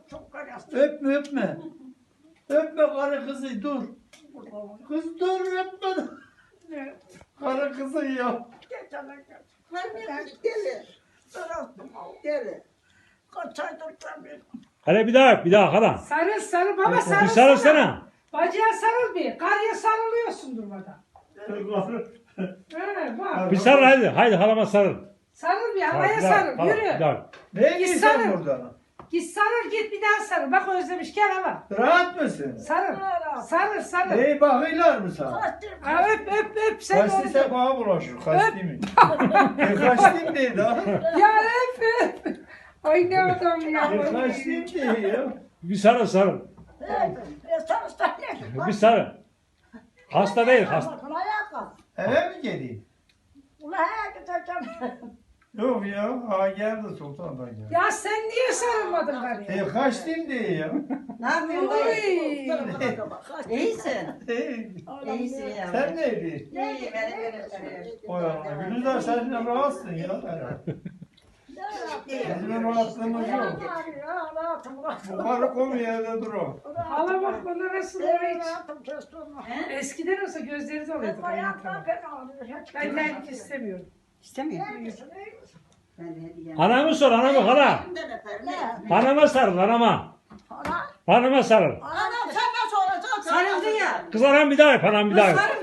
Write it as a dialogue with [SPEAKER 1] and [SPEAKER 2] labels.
[SPEAKER 1] çok karıştı.
[SPEAKER 2] Öpme öpme. Öpme karı kızı dur. Kız dur öpme. Karı kızı ya.
[SPEAKER 1] Geçene geç.
[SPEAKER 3] Anne deli.
[SPEAKER 1] Sarastım o.
[SPEAKER 3] Deli.
[SPEAKER 1] Kaç aydır tabii.
[SPEAKER 4] Hadi bir daha öp, bir daha hala.
[SPEAKER 5] Sarıl sarıl baba
[SPEAKER 4] Bir
[SPEAKER 5] sarıl.
[SPEAKER 4] sarılsana.
[SPEAKER 5] Bacıya sarıl bir. Karıya sarılıyorsun durmadan. He bak.
[SPEAKER 4] Bir sarıl hadi. Haydi halama sarıl.
[SPEAKER 5] Sarıl bir
[SPEAKER 4] Hadi,
[SPEAKER 5] havaya
[SPEAKER 4] bir daha,
[SPEAKER 5] sarıl.
[SPEAKER 4] hala,
[SPEAKER 5] Yürü.
[SPEAKER 4] bir daha.
[SPEAKER 2] Ne
[SPEAKER 5] Git
[SPEAKER 2] gidiyorsun
[SPEAKER 5] sarıl.
[SPEAKER 2] burada?
[SPEAKER 5] Git sarıl git bir daha sarıl. Bak özlemiş gel hala.
[SPEAKER 2] Rahat mısın?
[SPEAKER 5] Sarıl. Sarıl sarıl.
[SPEAKER 2] Neyi bakıyorlar mı sana?
[SPEAKER 1] Kaçtım.
[SPEAKER 5] Ha, öp sen
[SPEAKER 2] Kaçtı
[SPEAKER 5] onu.
[SPEAKER 2] sen bana bulaşıyor. Kaçtı mı? Kaçtım dedi ha.
[SPEAKER 5] Ya öp. Ay ne adam ya.
[SPEAKER 2] Kaçtım dedi ya.
[SPEAKER 4] Bir sarıl sarıl.
[SPEAKER 1] Sarıstan ne?
[SPEAKER 4] Bir sarıl. Hasta değil hasta.
[SPEAKER 1] Ayağa kalk.
[SPEAKER 2] Eve mi geleyim?
[SPEAKER 1] Ulan he gideceğim.
[SPEAKER 2] Yok ya. Ha geldi sultandan geldi.
[SPEAKER 5] Ya sen niye sarılmadın karıya?
[SPEAKER 2] Kaçtım diye ya.
[SPEAKER 3] Ne yapıyorsun dayı?
[SPEAKER 5] Uy.
[SPEAKER 3] İyisin.
[SPEAKER 2] Hey,
[SPEAKER 3] İyisin ya.
[SPEAKER 2] sen neydin?
[SPEAKER 3] İyi benim.
[SPEAKER 2] Oy Allah. Gülüzar sen rahatsın ya. Bizim rahatlığımız yok. Bu karı komu yerde dur o.
[SPEAKER 5] Hala bak bana nasıl hiç. Eskiden olsa gözleri doluydu kaynatama. Ben terlik istemiyorum.
[SPEAKER 3] İstemiyor. Ben de hediye.
[SPEAKER 4] Anamı sor, anamı hala. Anama sarıl, anama. Anama sarıl.
[SPEAKER 3] Anam sen nasıl olacaksın? Sarıldı ya.
[SPEAKER 4] Kız anam bir daha öp, anam bir daha öp.